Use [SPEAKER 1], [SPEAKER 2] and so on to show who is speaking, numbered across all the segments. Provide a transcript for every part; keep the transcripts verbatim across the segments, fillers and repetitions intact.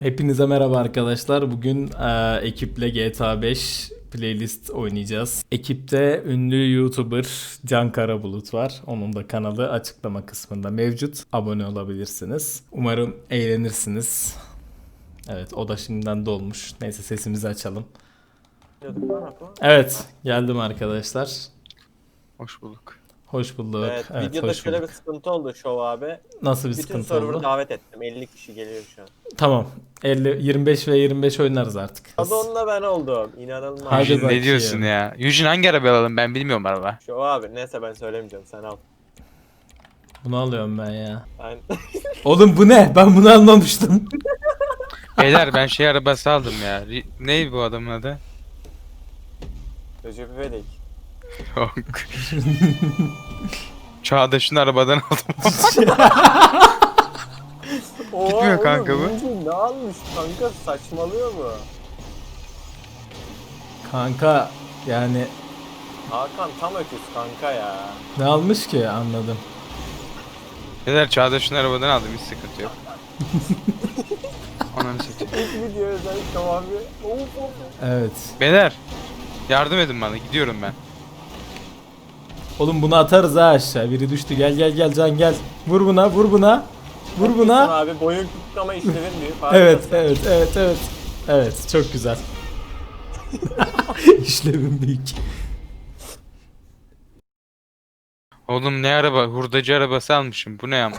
[SPEAKER 1] Hepinize merhaba arkadaşlar. Bugün e, ekiple G T A beş playlist oynayacağız. Ekipte ünlü YouTuber Can Karabulut var. Onun da kanalı açıklama kısmında mevcut. Abone olabilirsiniz. Umarım eğlenirsiniz. Evet, o da şimdiden dolmuş. Neyse sesimizi açalım. Evet, geldim arkadaşlar.
[SPEAKER 2] Hoş bulduk.
[SPEAKER 1] Hoş bulduk.
[SPEAKER 3] Evet,
[SPEAKER 1] Evet,
[SPEAKER 3] videoda
[SPEAKER 1] hoş
[SPEAKER 3] şöyle
[SPEAKER 1] bulduk.
[SPEAKER 3] bir sıkıntı oldu Şov abi.
[SPEAKER 1] Nasıl bir
[SPEAKER 3] Bütün
[SPEAKER 1] sıkıntı
[SPEAKER 3] server'ı
[SPEAKER 1] oldu?
[SPEAKER 3] davet ettim. elli kişi geliyor şu an.
[SPEAKER 1] Tamam. elli, yirmi beş ve yirmi beş oynarız artık.
[SPEAKER 3] Adı onunla ben oldum. İnanılmaz.
[SPEAKER 1] Hadi
[SPEAKER 2] Eugene
[SPEAKER 1] bakayım.
[SPEAKER 2] ne diyorsun ya? Eugene hangi araba alalım, ben bilmiyorum araba.
[SPEAKER 3] Şov abi neyse ben söylemeyeceğim sen al.
[SPEAKER 1] Bunu alıyorum ben ya.
[SPEAKER 3] Ben
[SPEAKER 1] Oğlum bu ne? Ben bunu almamıştım.
[SPEAKER 2] Beyler ben şey arabası aldım ya. Ri- Ne bu adamın adı?
[SPEAKER 3] Recep İvedik.
[SPEAKER 2] Yok. Çağdaş'ın arabadan aldım. Gitmiyor kanka bu.
[SPEAKER 3] Bu ne almış kanka, saçmalıyor mu?
[SPEAKER 1] Kanka yani
[SPEAKER 3] Hakan tam öküz kanka ya.
[SPEAKER 1] ne almış ki anladım.
[SPEAKER 2] Beyler Çağdaş'ın arabadan aldım, hiç sıkıntı yok. Ananı satayım.
[SPEAKER 3] İlk video özel Şov abi. Of of.
[SPEAKER 1] Evet.
[SPEAKER 2] Beyler yardım edin bana, gidiyorum ben.
[SPEAKER 1] Oğlum bunu atarız ha aşağı. Biri düştü. Gel gel gel Can gel. Vur buna vur buna. Vur
[SPEAKER 3] Haklısın
[SPEAKER 1] buna.
[SPEAKER 3] abi, boyun küçük ama işlevin büyük.
[SPEAKER 1] Evet
[SPEAKER 3] Harikasın.
[SPEAKER 1] evet evet evet. Evet çok güzel. İşlevim büyük.
[SPEAKER 2] Oğlum ne araba? Hurdacı arabası almışım. Bu ne ama?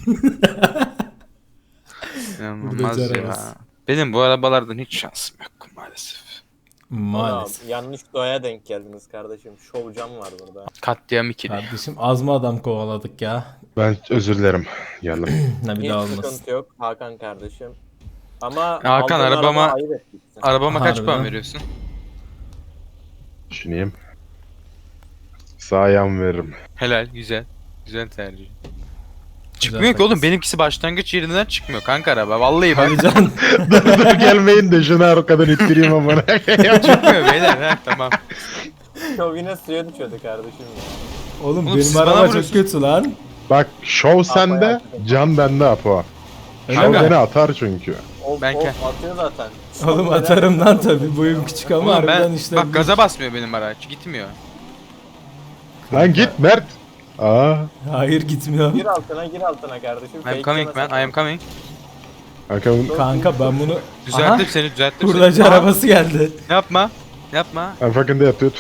[SPEAKER 2] İnanılmaz
[SPEAKER 1] Hurdacı
[SPEAKER 2] ya.
[SPEAKER 1] arabası.
[SPEAKER 2] Benim bu arabalardan hiç şansım yok maalesef.
[SPEAKER 1] Maalesef.
[SPEAKER 3] Oğlum, yanlış doğaya denk geldiniz kardeşim. Şov Can var burada.
[SPEAKER 2] Katliam ikili.
[SPEAKER 1] Kardeşim az mı adam kovaladık ya?
[SPEAKER 4] Ben özür dilerim. Geldim.
[SPEAKER 1] Ne bir
[SPEAKER 3] Hiç
[SPEAKER 1] daha olmasın.
[SPEAKER 3] sıkıntı yok Hakan kardeşim. Ama
[SPEAKER 2] Hakan,
[SPEAKER 3] aldığın
[SPEAKER 2] arabama-
[SPEAKER 3] araba ayıp etmişsin.
[SPEAKER 2] Arabama kaç
[SPEAKER 1] Harbiden.
[SPEAKER 2] puan veriyorsun?
[SPEAKER 4] Düşüneyim. Sağ ayağımı veririm.
[SPEAKER 2] Helal, güzel. Güzel tercih.
[SPEAKER 1] Güzel
[SPEAKER 2] Çıkmıyor ki
[SPEAKER 1] takız.
[SPEAKER 2] oğlum, benimkisi başlangıç yerinden çıkmıyor kanka araba. Vallahi bak
[SPEAKER 1] Hadi Can.
[SPEAKER 4] dur dur gelmeyin de şunu arkadan ittireyim amına.
[SPEAKER 2] çıkmıyor beyler, ha tamam.
[SPEAKER 3] Şov yine suya düşüyordu kardeşim ya.
[SPEAKER 1] Oğlum,
[SPEAKER 2] Oğlum, siz
[SPEAKER 1] benim
[SPEAKER 2] bana
[SPEAKER 1] araba çok
[SPEAKER 2] vuruyorsunuz.
[SPEAKER 1] kötü lan.
[SPEAKER 4] Bak şov sende,
[SPEAKER 3] yaptım.
[SPEAKER 4] can bende Apo.
[SPEAKER 1] Öyle
[SPEAKER 4] Şov
[SPEAKER 1] mi?
[SPEAKER 4] beni atar çünkü.
[SPEAKER 3] Of
[SPEAKER 2] Ben
[SPEAKER 3] of
[SPEAKER 2] ke-
[SPEAKER 3] atıyor zaten.
[SPEAKER 1] Oğlum atarım lan tabi. Boyum küçük ama
[SPEAKER 2] Oğlum
[SPEAKER 1] harbiden
[SPEAKER 2] ben,
[SPEAKER 1] işte.
[SPEAKER 2] bak gaza basmıyor benim araç, gitmiyor.
[SPEAKER 4] Lan git Mert. Aa,
[SPEAKER 1] Hayır gitmiyor.
[SPEAKER 3] Gir altına gir altına kardeşim.
[SPEAKER 2] I'm
[SPEAKER 3] Fake
[SPEAKER 2] coming
[SPEAKER 3] yeme
[SPEAKER 2] man, I am
[SPEAKER 3] sakın.
[SPEAKER 2] coming.
[SPEAKER 4] kanka,
[SPEAKER 1] Kanka ben bunu...
[SPEAKER 2] Düzelttim seni, düzelttim
[SPEAKER 1] Hurdacı
[SPEAKER 2] seni. Aa,
[SPEAKER 1] arabası geldi.
[SPEAKER 2] Yapma, yapma.
[SPEAKER 4] I'm fucking dead dude.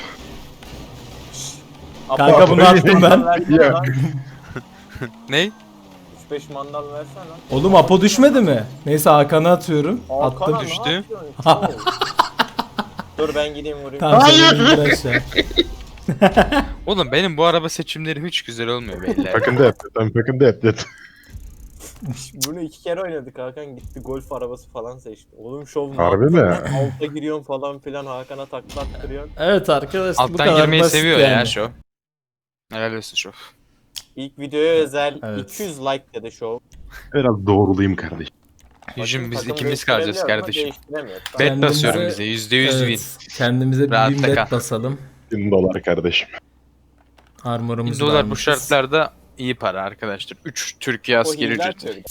[SPEAKER 3] Apo,
[SPEAKER 1] Kanka
[SPEAKER 3] üç
[SPEAKER 1] bunu
[SPEAKER 3] beş
[SPEAKER 1] attım
[SPEAKER 3] mandal
[SPEAKER 1] ben.
[SPEAKER 3] versene
[SPEAKER 4] Ya.
[SPEAKER 3] lan.
[SPEAKER 2] Ney?
[SPEAKER 3] üç beş mandal versene lan.
[SPEAKER 1] Oğlum Apo düşmedi mi? Neyse Hakan'a atıyorum.
[SPEAKER 3] Hakan'a
[SPEAKER 1] Attım.
[SPEAKER 3] ne
[SPEAKER 2] düştü.
[SPEAKER 3] yapıyorsun? Şov. Dur ben gideyim vurayım.
[SPEAKER 1] Tamam sen
[SPEAKER 4] Hayır.
[SPEAKER 1] de indir aşağı.
[SPEAKER 2] Oğlum benim bu araba seçimleri hiç güzel olmuyor beyler.
[SPEAKER 4] Fucking dead dude. I'm fucking dead dude.
[SPEAKER 3] Bunu iki kere oynadık, Hakan gitti golf arabası falan seçti. Oğlum şov ne
[SPEAKER 4] Harbi
[SPEAKER 3] yaptın
[SPEAKER 4] mi?
[SPEAKER 3] lan? Alta giriyorsun falan filan, Hakan'a takla attırıyorsun.
[SPEAKER 1] Evet arkadaşlar bu
[SPEAKER 2] Alttan
[SPEAKER 1] kadar
[SPEAKER 2] girmeyi
[SPEAKER 1] basit
[SPEAKER 2] seviyor
[SPEAKER 1] yani.
[SPEAKER 2] ya şov. Helal olsun şov.
[SPEAKER 3] İlk videoya özel
[SPEAKER 1] Evet.
[SPEAKER 3] iki yüz like dedi şov.
[SPEAKER 4] Biraz doğrulayayım kardeşim.
[SPEAKER 2] Yüzüm biz
[SPEAKER 3] Takım
[SPEAKER 2] ikimiz kalacağız
[SPEAKER 3] değiştirebiliyor ama
[SPEAKER 2] kardeşim.
[SPEAKER 3] değiştiremiyor.
[SPEAKER 2] Bet
[SPEAKER 1] Kendimize-
[SPEAKER 2] basıyorum bize, yüzde yüz win.
[SPEAKER 1] Evet, kendimize bir
[SPEAKER 2] Rahatta
[SPEAKER 1] bin bet
[SPEAKER 2] kal.
[SPEAKER 1] basalım.
[SPEAKER 4] bin dolar kardeşim.
[SPEAKER 1] Armorumuzu
[SPEAKER 2] bin
[SPEAKER 1] da
[SPEAKER 2] dolar bu
[SPEAKER 1] almışız.
[SPEAKER 2] şartlarda iyi para arkadaşlar. üç Türkiye
[SPEAKER 3] O
[SPEAKER 2] askeri
[SPEAKER 3] hile
[SPEAKER 2] ücreti.
[SPEAKER 3] atıyor.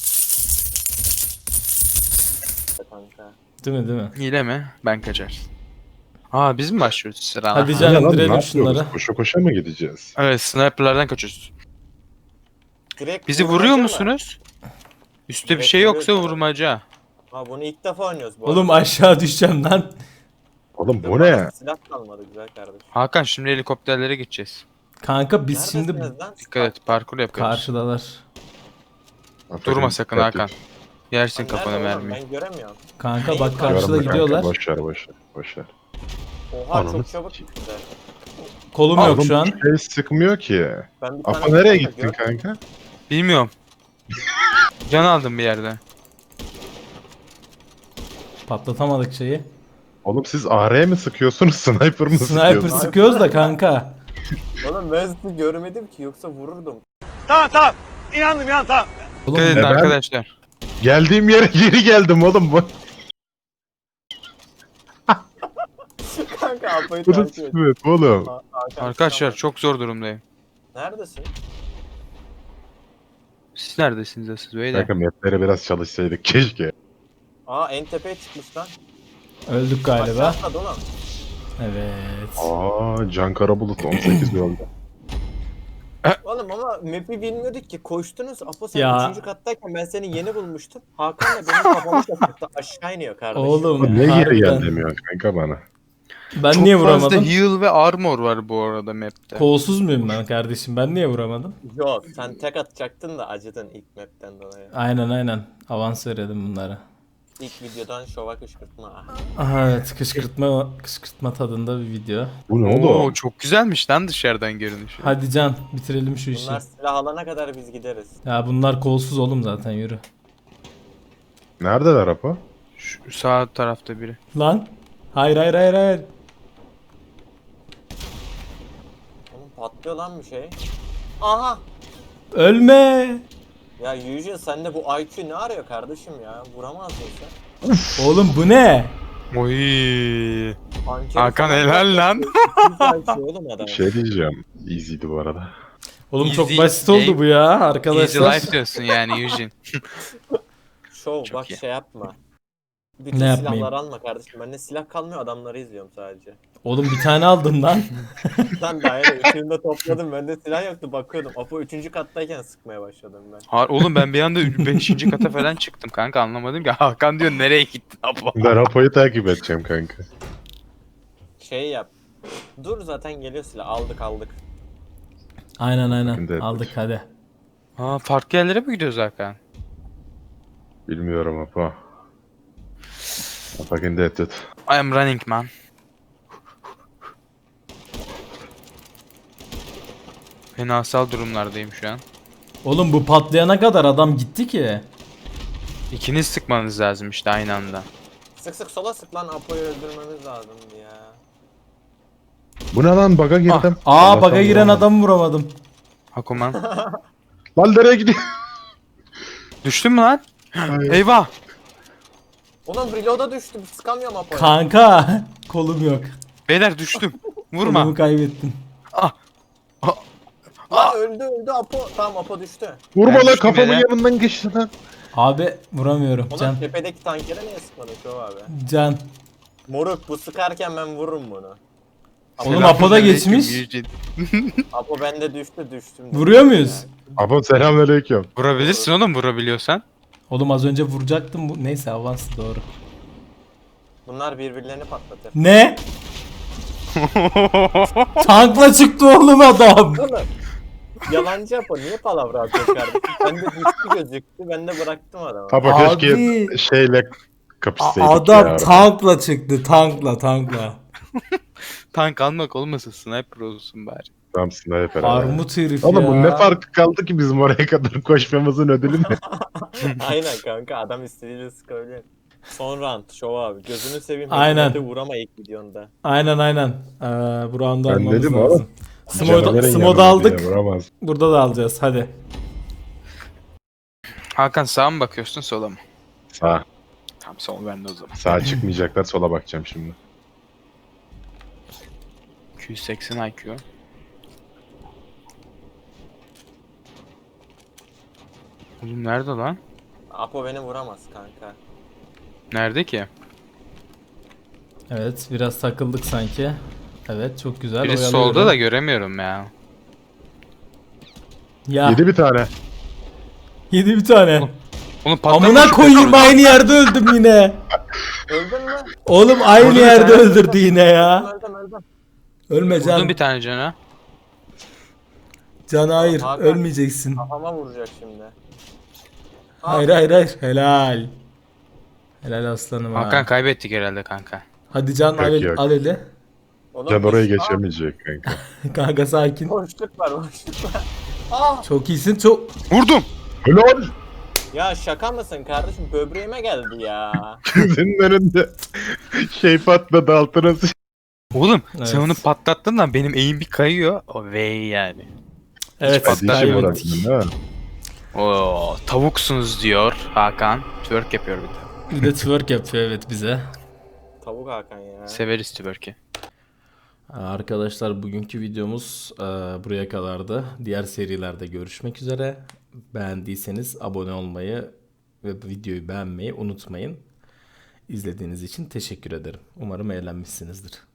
[SPEAKER 3] Kanka.
[SPEAKER 1] Değil mi değil mi?
[SPEAKER 2] Hile mi? Ben kaçar. Aa biz mi başlıyoruz sırana?
[SPEAKER 1] Hadi
[SPEAKER 2] Ha.
[SPEAKER 1] canım.
[SPEAKER 4] Ya lan, ne
[SPEAKER 1] indirelim
[SPEAKER 4] yapıyoruz?
[SPEAKER 1] şunları.
[SPEAKER 4] Koşa koşa mı gideceğiz?
[SPEAKER 2] Evet, sniperlardan kaçıyoruz.
[SPEAKER 3] Direkt
[SPEAKER 2] Bizi
[SPEAKER 3] vurmaca
[SPEAKER 2] vuruyor
[SPEAKER 3] mı?
[SPEAKER 2] musunuz? Üste bir
[SPEAKER 3] Direkt
[SPEAKER 2] şey yoksa
[SPEAKER 3] vuruyor.
[SPEAKER 2] vurmaca.
[SPEAKER 3] Ha bunu ilk defa oynuyoruz bu
[SPEAKER 1] Oğlum
[SPEAKER 3] arada.
[SPEAKER 1] aşağı düşeceğim lan.
[SPEAKER 4] Oğlum bu
[SPEAKER 3] Bana
[SPEAKER 4] ne?
[SPEAKER 3] Silah kalmadı güzel kardeşim.
[SPEAKER 2] Hakan şimdi helikopterlere gideceğiz.
[SPEAKER 1] Kanka biz şimdi
[SPEAKER 3] Neredesiniz lan?
[SPEAKER 2] Dikkat et, parkur yapıyoruz.
[SPEAKER 1] karşıdalar.
[SPEAKER 4] I'm
[SPEAKER 2] Durma
[SPEAKER 4] fucking
[SPEAKER 2] sakın
[SPEAKER 4] dead
[SPEAKER 2] Hakan.
[SPEAKER 4] dude.
[SPEAKER 2] Yersin
[SPEAKER 3] Lan
[SPEAKER 2] kafana
[SPEAKER 3] nerede oğlum?
[SPEAKER 2] mermiyi.
[SPEAKER 3] Ben göremiyorum.
[SPEAKER 1] Kanka
[SPEAKER 3] Neyi
[SPEAKER 1] bak
[SPEAKER 3] kanka?
[SPEAKER 1] karşıda
[SPEAKER 4] Görme kanka,
[SPEAKER 1] gidiyorlar.
[SPEAKER 4] Boş ver boş ver. Boş ver.
[SPEAKER 3] Oha
[SPEAKER 4] Ananı
[SPEAKER 3] çok çabuk
[SPEAKER 4] sikeyim.
[SPEAKER 3] güzel.
[SPEAKER 1] Kolum yok
[SPEAKER 4] Oğlum,
[SPEAKER 1] şu an.
[SPEAKER 4] Şey sıkmıyor ki.
[SPEAKER 3] Ben bir tane
[SPEAKER 4] Apo nereye
[SPEAKER 3] kanka
[SPEAKER 4] gittin
[SPEAKER 3] gördüm.
[SPEAKER 4] kanka?
[SPEAKER 2] Bilmiyorum. Can aldım bir yerde.
[SPEAKER 1] Patlatamadık şeyi.
[SPEAKER 4] Oğlum siz A R mi sıkıyorsunuz, sniper mı
[SPEAKER 1] Sniper
[SPEAKER 4] sıkıyorsunuz?
[SPEAKER 1] sıkıyoruz da kanka.
[SPEAKER 3] Oğlum ben sizi görmedim ki, yoksa vururdum.
[SPEAKER 2] Dikkat
[SPEAKER 1] Oğlum
[SPEAKER 2] edin
[SPEAKER 4] ben-
[SPEAKER 2] arkadaşlar.
[SPEAKER 4] Geldiğim yere geri geldim oğlum. Bu
[SPEAKER 3] Kanka Apo'yu
[SPEAKER 4] bu da
[SPEAKER 3] takip et.
[SPEAKER 4] sıkıntı oğlum.
[SPEAKER 3] Ha- Hakan,
[SPEAKER 2] Arkadaşlar
[SPEAKER 3] tamam.
[SPEAKER 2] çok zor durumdayım.
[SPEAKER 3] Neredesin?
[SPEAKER 2] Siz neredesiniz asıl beyler?
[SPEAKER 4] Kanka mapleri biraz çalışsaydık keşke.
[SPEAKER 3] Aa en tepeye çıkmış lan.
[SPEAKER 1] Öldük galiba.
[SPEAKER 3] Aşağı atladı oğlum.
[SPEAKER 1] Evet.
[SPEAKER 4] Aa, Can Karabulut on sekiz yolda.
[SPEAKER 3] Oğlum ama map'i bilmiyorduk ki. Koştunuz. Apo sen
[SPEAKER 1] Ya.
[SPEAKER 3] üçüncü kattayken ben seni yeni bulmuştum. Hakan da benim kafamı şaşırttı. Aşağı iniyor kardeşim.
[SPEAKER 1] Oğlum,
[SPEAKER 3] ya.
[SPEAKER 4] Niye geri
[SPEAKER 1] Harbiden.
[SPEAKER 4] gel demiyor kanka bana?
[SPEAKER 1] Ben
[SPEAKER 2] Çok
[SPEAKER 1] niye
[SPEAKER 2] fazla
[SPEAKER 1] vuramadım?
[SPEAKER 2] heal ve armor var bu arada map'te.
[SPEAKER 1] Kolsuz muyum ben kardeşim? Ben niye vuramadım?
[SPEAKER 3] Yok sen tek atacaktın da acıdın ilk map'ten dolayı.
[SPEAKER 1] Aynen aynen. Avans verelim bunlara.
[SPEAKER 3] İlk videodan şova kışkırtma.
[SPEAKER 1] Aha evet, kışkırtma kışkırtma tadında bir video.
[SPEAKER 4] Bu ne
[SPEAKER 2] Oo,
[SPEAKER 4] oldu?
[SPEAKER 2] çok güzelmiş lan dışarıdan görünüşü.
[SPEAKER 1] Hadi Can, bitirelim şu işi.
[SPEAKER 3] Bunlar silah alana kadar biz gideriz.
[SPEAKER 1] Ya bunlar kolsuz oğlum zaten, yürü.
[SPEAKER 4] Neredeler Apo?
[SPEAKER 2] Şu sağ tarafta biri.
[SPEAKER 1] Lan. Hayır hayır hayır hayır.
[SPEAKER 3] Oğlum patlıyor lan bir şey. Aha!
[SPEAKER 1] Ölme.
[SPEAKER 3] Ya Yüce sende bu I Q ne arıyor kardeşim ya? Vuramazdın sen.
[SPEAKER 1] Oğlum bu ne?
[SPEAKER 2] Oy.
[SPEAKER 3] Ankeri
[SPEAKER 2] Hakan
[SPEAKER 3] falan
[SPEAKER 2] helal lan.
[SPEAKER 3] çok I Q oğlum adam.
[SPEAKER 4] Bir şey diyeceğim. Easy'di bu arada.
[SPEAKER 1] Oğlum çok
[SPEAKER 2] Easy
[SPEAKER 1] basit oldu
[SPEAKER 2] game.
[SPEAKER 1] bu ya
[SPEAKER 2] Easy
[SPEAKER 1] arkadaşlar.
[SPEAKER 2] life diyorsun yani Eugene.
[SPEAKER 3] Şov
[SPEAKER 2] Çok
[SPEAKER 3] bak
[SPEAKER 2] iyi.
[SPEAKER 3] şey yapma. Bütün
[SPEAKER 1] Ne yapmayayım?
[SPEAKER 3] silahları alma kardeşim. Bende silah kalmıyor, adamları izliyorum sadece.
[SPEAKER 1] Oğlum bir tane aldım lan.
[SPEAKER 3] Sen daha yeni üçünü de topladım. Bende silah yoktu, bakıyordum. Apo üçüncü kattayken sıkmaya başladım ben.
[SPEAKER 2] Ha, oğlum ben bir anda beşinci kata falan çıktım kanka, anlamadım ki. Hakan diyor nereye gittin abla?
[SPEAKER 4] Ben Apo'yu takip edeceğim kanka.
[SPEAKER 3] Şey yap. Dur zaten geliyor silah. Aldık aldık.
[SPEAKER 1] Aynen aynen.
[SPEAKER 4] Şimdi-
[SPEAKER 1] Aldık hadi.
[SPEAKER 2] Ha, farklı yerlere mi gidiyoruz Hakan?
[SPEAKER 4] Bilmiyorum Apo. Fucking dead dude.
[SPEAKER 2] I am running man. Fenasal durumlardayım şu an.
[SPEAKER 1] Oğlum bu patlayana kadar adam gitti ki.
[SPEAKER 2] İkiniz sıkmanız lazım işte aynı anda.
[SPEAKER 3] Sık sık sola sık lan, Apo'yu öldürmemiz lazımdı ya.
[SPEAKER 4] Bu ne lan, bug'a girdim.
[SPEAKER 1] Aa
[SPEAKER 4] Allah'tan
[SPEAKER 1] baga giren
[SPEAKER 4] vuramadım.
[SPEAKER 1] adamı vuramadım.
[SPEAKER 2] Hakuman.
[SPEAKER 4] Lan nereye gidiyor?
[SPEAKER 2] Düştün mü lan?
[SPEAKER 4] Hayır.
[SPEAKER 2] Eyvah.
[SPEAKER 3] Ulan reload'a düştüm. Sıkamıyorum Apo'ya.
[SPEAKER 1] Kanka kolum yok.
[SPEAKER 2] Beyler düştüm. Vurma.
[SPEAKER 1] Kolumu kaybettim.
[SPEAKER 3] Lan öldü öldü Apo. Tamam Apo düştü.
[SPEAKER 4] Vurma
[SPEAKER 2] Ben
[SPEAKER 4] lan,
[SPEAKER 2] düştüm
[SPEAKER 4] kafamın
[SPEAKER 2] yere.
[SPEAKER 4] yanından geçti lan.
[SPEAKER 1] Abi vuramıyorum.
[SPEAKER 3] Ulan
[SPEAKER 1] Can.
[SPEAKER 3] tepedeki tankere niye sıkmadın Şov abi?
[SPEAKER 1] Can.
[SPEAKER 3] Moruk bu sıkarken ben vururum bunu.
[SPEAKER 1] Oğlum Apo da geçmiş.
[SPEAKER 2] Eugene.
[SPEAKER 3] Apo bende düştü düştüm.
[SPEAKER 1] Vuruyor muyuz?
[SPEAKER 4] Apo selamünaleyküm.
[SPEAKER 2] Vurabilirsin oğlum, vurabiliyorsan.
[SPEAKER 1] Oğlum az önce vuracaktım. Bu... Neyse avans doğru.
[SPEAKER 3] Bunlar birbirlerini patlatır.
[SPEAKER 1] Ne? Tankla çıktı oğlum adam.
[SPEAKER 3] Oğlum yalancı Apo niye palavra atıyor kardeşim? Bende düştü gözüktü, ben de bıraktım adamı.
[SPEAKER 4] Apo
[SPEAKER 1] Abi.
[SPEAKER 4] keşke şeyle
[SPEAKER 1] A-
[SPEAKER 4] kapışsaydık
[SPEAKER 1] adam
[SPEAKER 4] ya.
[SPEAKER 1] tankla çıktı. Tankla tankla.
[SPEAKER 2] Tank almak olmasın, sniper olsun bari.
[SPEAKER 4] Tam sniper abi.
[SPEAKER 1] Armut herif
[SPEAKER 4] Oğlum
[SPEAKER 1] ya.
[SPEAKER 4] bu ne farkı kaldı ki bizim oraya kadar koşmamızın ödülü ne?
[SPEAKER 3] Aynen kanka, adam istediğiyle sıkabilir. Son round Şov abi. Gözünü seveyim.
[SPEAKER 1] Aynen.
[SPEAKER 3] Hadi vurama ilk videonda.
[SPEAKER 1] Aynen aynen. Ee, bu round'u
[SPEAKER 4] Ben
[SPEAKER 1] almamız
[SPEAKER 4] dedim
[SPEAKER 1] lazım.
[SPEAKER 4] oğlum.
[SPEAKER 1] Smoda,
[SPEAKER 4] Canavarın
[SPEAKER 1] Smoda
[SPEAKER 4] yanında
[SPEAKER 1] aldık.
[SPEAKER 4] diye vuramaz.
[SPEAKER 1] Burada da alacağız. Hadi.
[SPEAKER 2] Hakan sağa mı bakıyorsun sola mı?
[SPEAKER 4] Sağ.
[SPEAKER 2] Tamam, sol bende o zaman.
[SPEAKER 4] Sağa çıkmayacaklar, sola bakacağım şimdi.
[SPEAKER 2] iki yüz seksen I Q. Oğlum nerede lan?
[SPEAKER 3] Apo beni vuramaz kanka.
[SPEAKER 2] Nerede ki?
[SPEAKER 1] Evet biraz takıldık sanki. Evet çok güzel.
[SPEAKER 2] Biri
[SPEAKER 1] oyalıyorum.
[SPEAKER 2] solda da göremiyorum ya.
[SPEAKER 1] Ya.
[SPEAKER 4] Yedi bir tane.
[SPEAKER 1] Yedi bir tane.
[SPEAKER 2] Oğlum patlamış.
[SPEAKER 1] Amına
[SPEAKER 2] şu
[SPEAKER 1] koyayım,
[SPEAKER 2] petrol.
[SPEAKER 1] aynı yerde öldüm yine.
[SPEAKER 3] Öldün mü?
[SPEAKER 1] Oğlum aynı
[SPEAKER 2] Vurdum bir
[SPEAKER 1] yerde
[SPEAKER 2] tane.
[SPEAKER 1] öldürdü yine ya.
[SPEAKER 3] Öldüm öldüm.
[SPEAKER 1] Ölme
[SPEAKER 2] Vurdum
[SPEAKER 1] Can.
[SPEAKER 2] bir tane cana.
[SPEAKER 1] Can hayır,
[SPEAKER 3] Hakan.
[SPEAKER 1] ölmeyeceksin.
[SPEAKER 3] Kafama vuracak şimdi.
[SPEAKER 1] Hayır hayır hayır. Helal. Helal aslanım ha.
[SPEAKER 2] Hakan kaybettik herhalde kanka.
[SPEAKER 1] Hadi Can
[SPEAKER 4] Yok,
[SPEAKER 1] al, el-
[SPEAKER 4] yok.
[SPEAKER 1] al eli.
[SPEAKER 3] Oğlum,
[SPEAKER 4] Can oraya
[SPEAKER 3] biz-
[SPEAKER 4] geçemeyecek kanka.
[SPEAKER 1] Kanka sakin.
[SPEAKER 3] Aa, boşluk var boşluk var. Aa!
[SPEAKER 1] Çok iyisin çok.
[SPEAKER 2] Vurdum.
[SPEAKER 4] Helal!
[SPEAKER 3] Ya şaka mısın kardeşim? Böbreğime geldi ya.
[SPEAKER 4] Gözünün önünde şey patladı, altına sıç.
[SPEAKER 2] Oğlum
[SPEAKER 1] Evet.
[SPEAKER 2] sen onu patlattın da benim eğim bir kayıyor. O vey yani.
[SPEAKER 1] Evet
[SPEAKER 2] patlar
[SPEAKER 4] Dişim
[SPEAKER 2] yok.
[SPEAKER 1] kaybettik.
[SPEAKER 4] uğraştın değil mi?
[SPEAKER 2] Oo, tavuksunuz diyor Hakan. Twerk yapıyor bir de.
[SPEAKER 1] Bir de twerk yapıyor evet bize.
[SPEAKER 3] Tavuk Hakan ya.
[SPEAKER 2] Severiz twerk'i.
[SPEAKER 1] Arkadaşlar bugünkü videomuz e, buraya kadardı. Diğer serilerde görüşmek üzere. Beğendiyseniz abone olmayı ve videoyu beğenmeyi unutmayın. İzlediğiniz için teşekkür ederim. Umarım eğlenmişsinizdir.